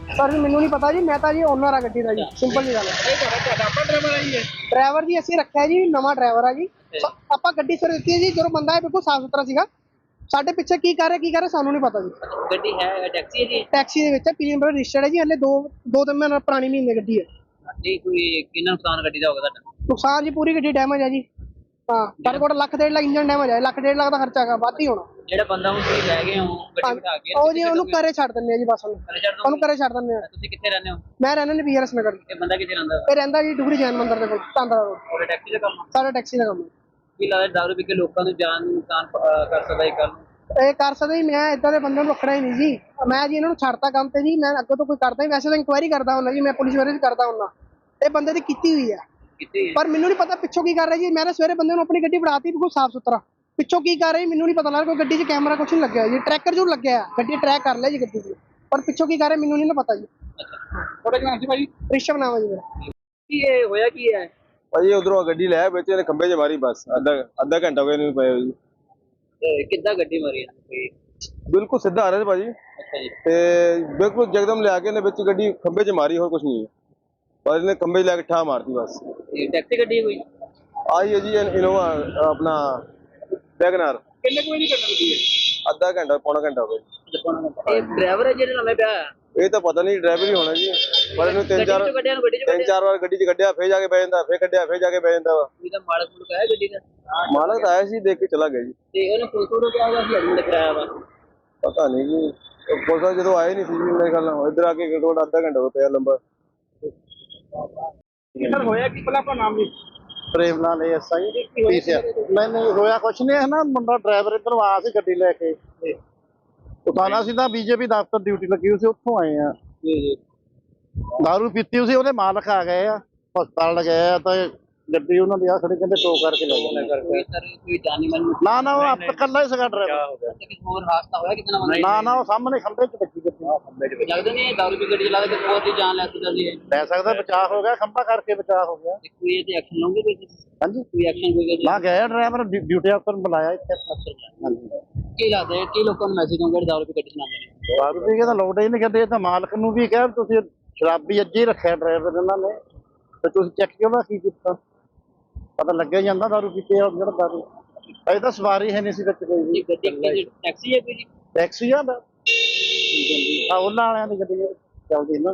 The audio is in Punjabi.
सर मैनू नहीं पता जी, मैं तो जी ओनर आ गड्डी दा जी, सिंपल जी गल है। ड्राइवर जी ਅਸੀਂ ਰੱਖਿਆ ਜੀ, ਨਵਾਂ ਡਰਾਈਵਰ ਆ ਜੀ। ਆਪਾਂ ਗੱਡੀ ਸਰ ਦਿੱਤੀ ਹੈ ਜੀ, ਜਦੋਂ ਬੰਦਾ ਹੈ ਬਿਲਕੁਲ ਸਾਫ ਸੁਥਰਾ ਸੀਗਾ। ਸਾਡੇ ਪਿੱਛੇ ਕੀ ਕਰ ਰਿਹਾ ਸਾਨੂੰ ਨਹੀਂ ਪਤਾ ਜੀ। ਗੱਡੀ ਹੈ ਟੈਕਸੀ ਹੈ ਜੀ? ਟੈਕਸੀ ਦੇ ਵਿੱਚ ਪੀਐਮ ਨੰਬਰ ਰਜਿਸਟਰਡ ਹੈ ਜੀ, ਹਲੇ ਦੋ ਤਿੰਨ ਮਹੀਨੇ ਪੁਰਾਣੀ ਮਹੀਨੇ ਗੱਡੀ ਹੈ। ਨਹੀਂ ਕੋਈ ਕਿੰਨਾ ਨੁਕਸਾਨ ਗੱਡੀ ਦਾ ਹੋਗਾ ਤੁਹਾਡਾ? ਨੁਕਸਾਨ ਜੀ ਪੂਰੀ ਗੱਡੀ ਡੈਮੇਜ ਹੈ ਜੀ। ਹਾਂ ਪਰ ਕੋਲ ਲੱਖ 1.5 ਲੱਖ ਇੰਜਨ ਡੈਮੇਜ ਹੈ, ਲੱਖ 1.5 ਲੱਖ ਦਾ ਖਰਚਾ ਹੈਗਾ, ਵੱਧ ਹੀ ਹੋਣਾ। ਜਿਹੜਾ ਬੰਦਾ ਹੁਣ ਤੁਸੀਂ ਲੈ ਗਏ ਹੋ ਗੱਡੀ ਬਿਠਾ ਕੇ, ਉਹ ਜੀ ਉਹਨੂੰ ਘਰੇ ਛੱਡ ਦਿੰਦੇ ਆ ਜੀ, ਬਸ ਉਹਨੂੰ ਘਰੇ ਛੱਡ ਦਿੰਦੇ ਆ। ਤੁਸੀਂ ਕਿੱਥੇ ਰਹਿੰਦੇ ਹੋ? ਮੈਂ ਰਹਿੰਦਾ ਨਹੀਂ ਬੀਆਰਐਸ ਨਗਰ। ਇਹ ਬੰਦਾ ਕਿੱਥੇ ਰਹਿੰਦਾ? ਇਹ ਰਹਿੰਦਾ ਜੀ ਡੁਗਰੀ ਜੈਨ ਮੰਦਿਰ ਦੇ ਕੋਲ, ਤਾਂਦਰਾ ਰੋਡ। ਤੁਹਾਡਾ ਟੈਕਸੀ ਦਾ ਕੰਮ? ਸਾਡਾ ਟੈਕਸੀ ਦਾ ਕੰਮ ਹੈ। ਕੀ ਲੱਗਦਾ ਦਾਰੂ ਪੀ ਕੇ ਲੋਕਾਂ ਨੂੰ ਜਾਨ ਨੂੰ ਨੁਕਸਾਨ ਕਰ ਸਕਦਾ ਇਹ ਕੱਲ? ਇਹ ਕਰ ਸਕਦਾ ਜੀ, ਮੈਂ ਇਦਾਂ ਦੇ ਬੰਦੇ ਨੂੰ ਰੱਖਣਾ ਹੀ ਨਹੀਂ ਜੀ। ਮੈਂ ਜੀ ਇਹਨਾਂ ਨੂੰ ਛੱਡਤਾ ਕੰਮ ਤੇ ਜੀ, ਮੈਂ ਅੱਗੇ ਤੋਂ ਕੋਈ ਕਰਦਾ ਹੀ, ਵੈਸੇ ਤਾਂ ਇਨਕੁਆਇਰੀ ਕਰਦਾ ਹੁੰਦਾ ਜੀ, ਮੈਂ ਪੁਲਿਸ ਵਾਲੇ ਵੀ ਕਰਦਾ ਹੁੰਦਾ। ਇਹ ਬੰਦੇ ਦੀ ਕੀਤੀ ਹੋਈ ਹੈ ਪਰ ਮੈਨੂੰ ਨਹੀਂ ਪਤਾ ਪਿੱਛੋਂ ਕੀ ਕਰ ਰਿਹਾ ਜੀ। ਮੈਂ ਤਾਂ ਸਵੇਰੇ ਬੰਦੇ ਨੂੰ ਆਪਣੀ ਗੱਡੀ ਫੜਾਤੀ ਬਿਲਕੁਲ ਸਾਫ ਸੁਥਰਾ, ਪਿੱਛੋਂ ਕੀ ਕਰ ਰਿਹਾ ਮੈਨੂੰ ਨਹੀਂ ਪਤਾ ਲੱਗ ਰਿਹਾ। ਕੋਈ ਗੱਡੀ 'ਚ ਕੈਮਰਾ ਕੁਛ ਨਹੀਂ ਲੱਗਿਆ ਜੀ, ਟਰੈਕਰ ਜ਼ਰੂਰ ਲੱਗਿਆ, ਗੱਡੀ ਟਰੈਕ ਕਰ ਲਿਆ ਜੀ ਗੱਡੀ ਦੀ, ਪਰ ਪਿੱਛੋਂ ਕੀ ਕਰ ਰਿਹਾ ਮੈਨੂੰ ਨਹੀਂ ਪਤਾ ਜੀ। ਤੁਹਾਡਾ ਕੀ ਨਾਮ ਸੀ ਭਾਜੀ? ਰਿਸ਼ਵ ਨਾਮ ਹੈ ਜੀ ਮੇਰਾ। ਕੀ ਇਹ ਹੋਇਆ ਕੀ ਹੈ ਭਾਜੀ? ਉਧਰੋਂ ਗੱਡੀ ਲੈ ਵਿੱਚ ਇਹਨੇ ਖੰਭੇ 'ਚ ਮਾਰੀ, ਬਸ ਅੱਧਾ ਘੰਟਾ ਹੋ ਗਿਆ ਇਹਨੂੰ ਪਏ ਜੀ। ਕਿੱਦਾਂ ਗੱਡੀ ਮਾਰੀ ਹੈ? ਬਿਲਕੁਲ ਸਿੱਧਾ ਆ ਰਿਹਾ ਸੀ ਭਾਜੀ, ਅੱਛਾ ਜੀ। ਤੇ ਬਿਲਕੁਲ ਜਗਦਮ ਲਿਆ ਕੇ ਇਹਨੇ ਵਿੱਚ ਗੱਡੀ ਖੰਭੇ 'ਚ ਮਾਰੀ, ਹੋਰ ਕੁਝ ਨਹੀਂ। ਪਰ ਇਹਨੇ ਖੰਭੇ 'ਚ ਲੈ ਕੇ ਠਾ ਮਾਰਤੀ ਬਸ। ਇਹ ਟੈਕਸੀ ਗੱਡੀ ਕੋਈ ਆਈ ਹੈ ਜੀ ਇਨੋਵਾ ਆਪਣਾ ਵੈਗਨਾਰ। ਕਿੰਨੇ ਕੋਈ ਨਹੀਂ ਕਰਨਾ ਗੱਡੀ ਹੈ? ਅੱਧਾ ਘੰਟਾ ਪੌਣਾ ਘੰਟਾ ਹੋ ਗਿਆ। ਇਹ ਡਰਾਈਵਰ ਹੈ ਜਿਹੜੇ ਨਵੇਂ ਪਿਆ? ਇਹ ਤਾਂ ਪਤਾ ਨਹੀਂ, ਡਰਾਈਵਰ ਹੀ ਹੋਣਾ ਜੀ। ਪਰ ਇਹਨੂੰ ਤਿੰਨ ਚਾਰ ਵਾਰ ਗੱਡੀ 'ਚ ਕੱਢਿਆ, ਫੇਰ ਜਾ ਕੇ ਬਹਿ ਜਾਂਦਾ, ਫੇਰ ਕੱਢਿਆ, ਫੇਰ ਜਾ ਕੇ ਬਹਿ ਜਾਂਦਾ ਵਾ। ਇਹਦਾ ਮਾਲਕ ਮੁਲਕ ਹੈ ਗੱਡੀ ਦਾ? ਮਾਲਕ ਤਾਂ ਆਇਆ ਸੀ, ਦੇਖ ਕੇ ਚਲਾ ਗਿਆ ਜੀ। ਤੇ ਉਹਨੇ ਫੋਟੋ ਕਿਹਾ ਹੋਇਆ ਸੀ ਐਡਮਿਟ ਕਰਾਇਆ ਵਾ? ਪਤਾ ਨਹੀਂ ਜੀ, ਪੁਲਿਸ ਜਦੋਂ ਆਏ ਨਹੀਂ ਸੀ ਜੀ ਮੇਰੇ ਖਿਆਲ ਨਾਲ। ਇੱਧਰ ਆ ਕੇ ਘੱਟੋ ਅੱਧਾ ਘੰਟਾ ਹੋ ਗਿਆ ਲੰਬਾ। ਸਰ ਹੋਇਆ ਕੀ ਪਹਿਲਾਂ ਆਪਣਾ ਨਾਮ ਜੀ? Prem Lal SI PCR. ਨਹੀਂ ਹੋਇਆ ਕੁਛ ਨਹੀਂ ਹੈ ਨਾ, ਮੁੰਡਾ ਡਰਾਈਵਰ ਇੱਧਰੋਂ ਆਇਆ ਸੀ ਗੱਡੀ ਲੈ ਕੇ, ਉਤਾਰਨਾ ਸੀ ਤਾਂ ਬੀਜੇਪੀ ਦਫ਼ਤਰ ਡਿਊਟੀ ਲੱਗੀ ਹੋਈ ਸੀ, ਉੱਥੋਂ ਆਏ ਆ। ਦਾਰੂ ਪੀਤੀ ਹੋਈ ਸੀ, ਉਹਦੇ ਮਾਲਕ ਆ ਗਏ ਆ, ਹਸਪਤਾਲ ਲਗਾਏ ਆ, ਤਾਂ ਗੱਡੀ ਉਹਨਾਂ ਦੀ ਆ ਖੜੀ, ਕਹਿੰਦੇ ਟੋ ਕਰਕੇ ਲੈ ਜਾਣਾ। ਕੋਈ ਜਾਨੀ ਮਾਨੀ ਨਾ ਉਹ ਆਪ ਇਕੱਲਾ ਹੀ ਸੀਗਾ ਡਰਾਈਵਰ। ਹੋਰ ਹਾਦਸਾ ਹੋਇਆ ਕਿਤਨਾ ਬੰਦਾ? ਨਾ ਉਹ ਸਾਹਮਣੇ ਖੰਭੇ 'ਚ ਵੱਜੀ ਗੱਡੀ। ਲੱਗਦਾ ਨਹੀਂ ਦਾਰੂ ਪੀ ਗੱਡੀ ਚਲਾ ਕੇ ਬਹੁਤ ਦੀ ਜਾਨ ਲੈ ਸਕਦੀ ਹੈ। ਲੈ ਸਕਦਾ, ਬਚਾਅ ਹੋ ਗਿਆ, ਖੰਭਾ ਕਰਕੇ ਬਚਾਅ ਹੋ ਗਿਆ। ਕੋਈ ਇਹ ਤੇ ਐਕਸ਼ਨ ਲਓਗੇ ਕੋਈ? ਹਾਂਜੀ ਕੋਈ ਐਕਸ਼ਨ ਕੋਈ ਨਾ ਗਿਆ ਡਰਾਈਵਰ, ਡਿਊਟੀ ਅਫਸਰ ਬੁਲਾਇਆ ਇੱਥੇ। ਹਾਂਜੀ ਕੀ ਲੱਗਦਾ ਹੈ ਕੀ ਲੋਕਾਂ ਨੂੰ ਮੈਸੇਜ ਦੋਗੇ ਦਾਰੂ ਪੀ ਗੱਡੀ ਚਲਾਉਂਦੇ ਨੇ? ਦਾਰੂ ਪੀ ਕੇ ਤਾਂ ਲੋੜ ਹੀ ਨਹੀਂ ਕਰਦੇ। ਤਾਂ ਮਾਲਕ ਨੂੰ ਵੀ ਕਿਹਾ ਤੁਸੀਂ ਸ਼ਰਾਬੀ ਅੱਜ ਹੀ ਰੱਖਿਆ ਡਰਾਈਵਰ ਇਹਨਾਂ ਨੇ, ਤੇ ਤੁਸੀਂ ਚੈੱਕ ਕਿਉਂ ਨਾ ਕੀ ਕੀਤਾ? ਪਤਾ ਲੱਗਿਆ ਜਾਂਦਾ ਦਾਰੂ ਪੀਤੇ ਆ ਜਿਹੜਾ ਦਾਰੂ। ਅਜੇ ਤਾਂ ਸਵਾਰੀ ਹੈ ਨਹੀਂ ਸੀ ਵਿੱਚ ਕੋਈ ਵੀ। ਗੱਡੀ ਟੈਕਸੀ ਹੈ ਕੋਈ ਜੀ? ਟੈਕਸੀ ਆ ਉਹਨਾਂ ਵਾਲਿਆਂ ਦੀ ਗੱਡੀ ਚੱਲਦੀ ਨਾ।